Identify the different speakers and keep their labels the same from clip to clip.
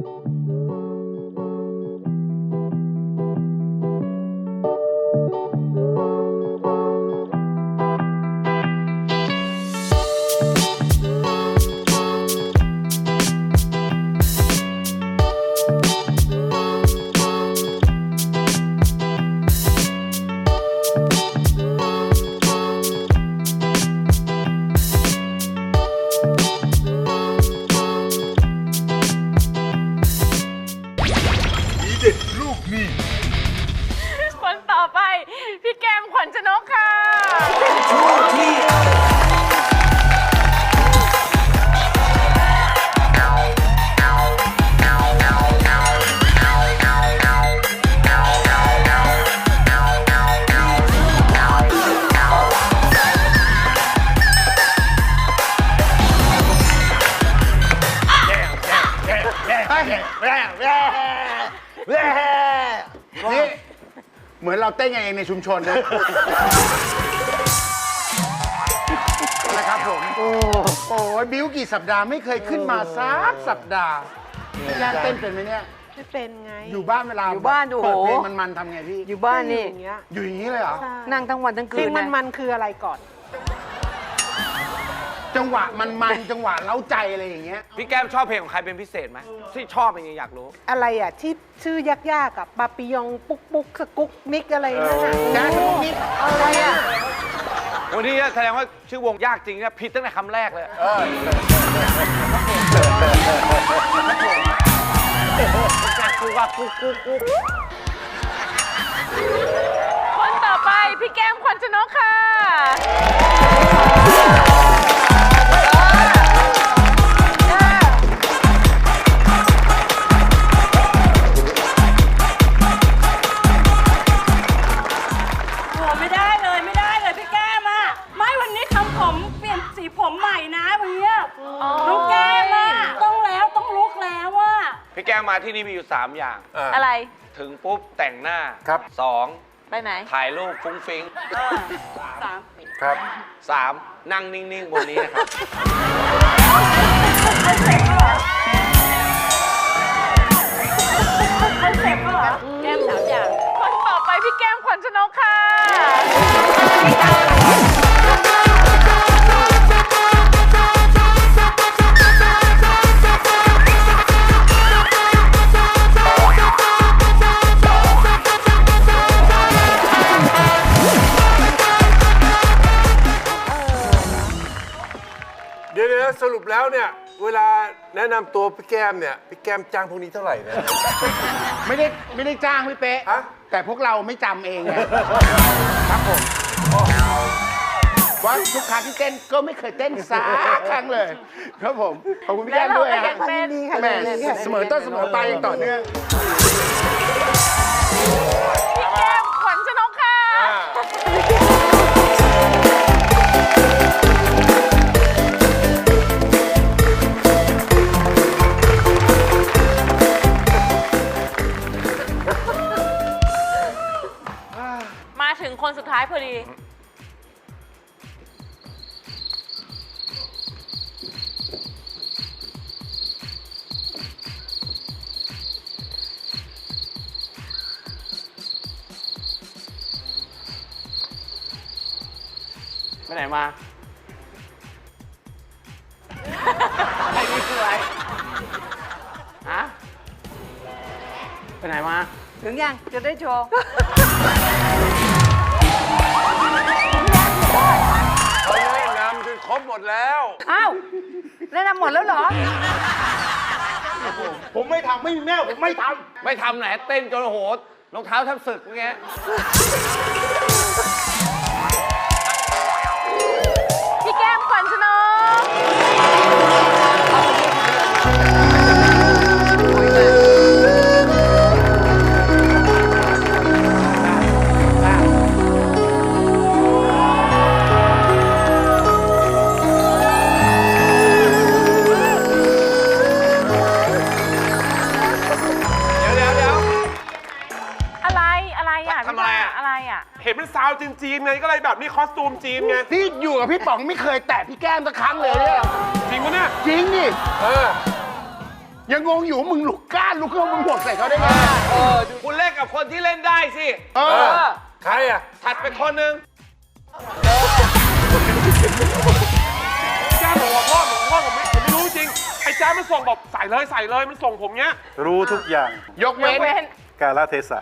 Speaker 1: คนต่อไปพี่แก้มขวัญชนกค่ะ
Speaker 2: นี่เหมือนเราเต้นกันเองในชุมชนนะนะครับผมโอ้ยบิ้วกี่สัปดาห์ไม่เคยขึ้นมาสักสัปดาห์แรกเต้นเป็นไหมเนี่ย
Speaker 3: ไม่เป็นไง
Speaker 2: อยู่บ้านเวลา
Speaker 4: อยู่บ้านดู
Speaker 2: เปิด
Speaker 4: โห
Speaker 2: เพลงมันๆทำไงพี่
Speaker 4: อยู่บ้านนี่
Speaker 3: อย่างเงี้ย
Speaker 2: อยู่อย่างนี้เลยเหรอ
Speaker 3: ใช่
Speaker 4: นั่งทั้งวันทั้งคื
Speaker 3: เพล
Speaker 4: น
Speaker 3: งมันคืออะไรก่อน
Speaker 2: จังหวะมันจังหวะเล้าใจอะไรอย่างเงี้ย
Speaker 5: พี่แก้มชอบเพลงของใครเป็นพิเศษไหมที่ชอบจริงๆอยากรู้
Speaker 3: อะไรอ่ะที่ชื่อยากๆกับปาปิยองปุ๊กปุ๊กสกุ๊กนิกอะไรนั่นน่ะ
Speaker 2: นะสมุกนิด
Speaker 3: อะไรอ่ะ
Speaker 5: วันนี้แสดงว่าชื่อวงยากจริงนะผิดตั้งแต่คำแรกเลย
Speaker 1: คนต่อไปพี่แก้มขวัญชนกค่ะ
Speaker 6: ไม่ได้เลยพี่แก้มอะไม่วันนี้ทำผมเปลี่ยนสีผมใหม่นะวันนี้น้องแก้มอะต้องลุกแล้วว่า
Speaker 5: พี่แก้มมาที่นี่มีอยู่ 3 อย่าง
Speaker 1: อะไร
Speaker 5: ถึงปุ๊บแต่งหน้า
Speaker 2: ครับ
Speaker 5: 2
Speaker 1: ไปไหน
Speaker 5: ถ่ายรูปฟุ้งฟิ้ง
Speaker 2: ครับ
Speaker 5: 3 นั่งนิ่งๆบนนี้นะครับ
Speaker 1: แก้ม3 อย่างคนต่อไปพี่แก้มขวัญชนกค่ะ
Speaker 7: เดี๋ยวสรุปแล้วเนี่ย เวลาแนะนำตัวพี่แก้มเนี่ย พี่แก้มจ้างพวกนี้เท่าไหร่เนี่ย
Speaker 2: ไม่ได้จ้างพี่เป๊ะ
Speaker 7: ฮะ
Speaker 2: แต่พวกเราไม่จำเองไงครับผมว่าทุกครั้งที่เต้นก็ไม่เคยเต้นสักครั้งเลย ครับผมขอบคุณพี่แก้มด้วย
Speaker 1: และ
Speaker 2: ฮะ
Speaker 1: เราก็ยังเป็น
Speaker 3: ดีค่ะ
Speaker 2: แหม่
Speaker 3: ดีค่ะ
Speaker 2: เสมอต้นเสมอปลายอย่างต่อเนื่อง
Speaker 1: พี่แก้มขวัญชนกค่ะ มาถึงคนสุดท้ายพอดี
Speaker 5: ไปไหนมาไอ้นี่คืออะไร ฮะ ไปไหนมา
Speaker 4: ถึงยังจะได้โชว์
Speaker 7: เขาแนะนำจนครบหมดแล้ว
Speaker 4: อ้าวแนะนำหมดแล้วเหรอ
Speaker 2: ผมไม่ทำไม่มีแม่ผมไม่ท
Speaker 5: ไม่ทำไหนเต้นจนโอ้โหรองเท้าแทบสึกเมื่อกี้
Speaker 1: พี่แก้มขวัญชนอะไรอ่ะ
Speaker 5: ทำอะไรอ่ะ
Speaker 1: อะไรอ่ะ
Speaker 7: เห็นมันซาวจีนๆไงก็เลยแบบนี้คอสตูมจีนไง
Speaker 2: ำพี่อยู่กับพี่ป๋องไม่เคยแตะพี่แก้มสักครั้งเลยเนี่ย
Speaker 7: จริงปะเนี่ย
Speaker 2: จริงดิ
Speaker 7: เออ
Speaker 2: ยังงงอยู่ว่ามึงลุกกล้าลุกขึ้นมามึงหมดใส่เขาได้ไง
Speaker 5: คุณเล่นกับคนที่เล่นได้สิ
Speaker 2: เออ
Speaker 7: ใครอ่ะ
Speaker 5: ถัดไปคนหนึ่ง
Speaker 8: แจ้บอกว่าพ่อผมไม่รู้จริง ไอ้แจ้มันส่งบอกใส่เลยมันส่งผมเนี้ย
Speaker 9: รู้ทุกอย่าง
Speaker 2: ยกเว้น
Speaker 9: กาลเทศะ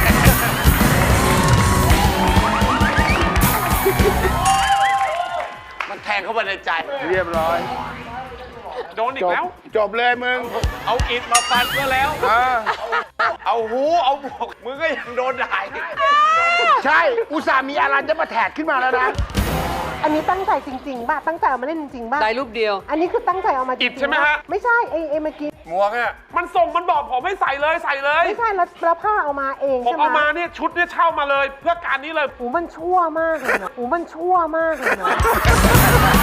Speaker 5: มันแทงเข้าไปในใจ
Speaker 2: เรียบร้อย
Speaker 8: โดนอี
Speaker 2: จ
Speaker 8: ก
Speaker 2: บ
Speaker 8: แล้ว
Speaker 2: จบเลยมึง
Speaker 5: เอาอิฐมาฟันก็แล้ว
Speaker 2: เออ
Speaker 5: เอาหูเอาหมวกมึงก็ยังโดนด่าอีก
Speaker 2: ใช่ อุตส่าห์มีอารันจะมาแถดขึ้นมาแล้วนะ
Speaker 3: อันนี้ตั้งใจจริงๆป่ะตั้งใจเอามาเล่นจริงๆป่ะ
Speaker 4: ได้รูปเดียว
Speaker 3: อันนี้คือตั้งใจเอามาจริงๆ
Speaker 8: อิฐใช่ไหมฮะ
Speaker 3: ไม่ใช่ไอ้เมื่อกี้
Speaker 7: หมวกเนี่ย
Speaker 8: มันส่งมันบอกผมให้ใส่เลย
Speaker 3: ไม่ใช่แล้วผ้าเอามาเอง
Speaker 8: ผม
Speaker 3: ใช่ไหม
Speaker 8: เอามาเนี่ยชุดเนี่ยเช่ามาเลย เพื่อการนี้เลย
Speaker 3: หูมันชั่วมากเลยเนาะหูมันชั่วมากเลยเนาะ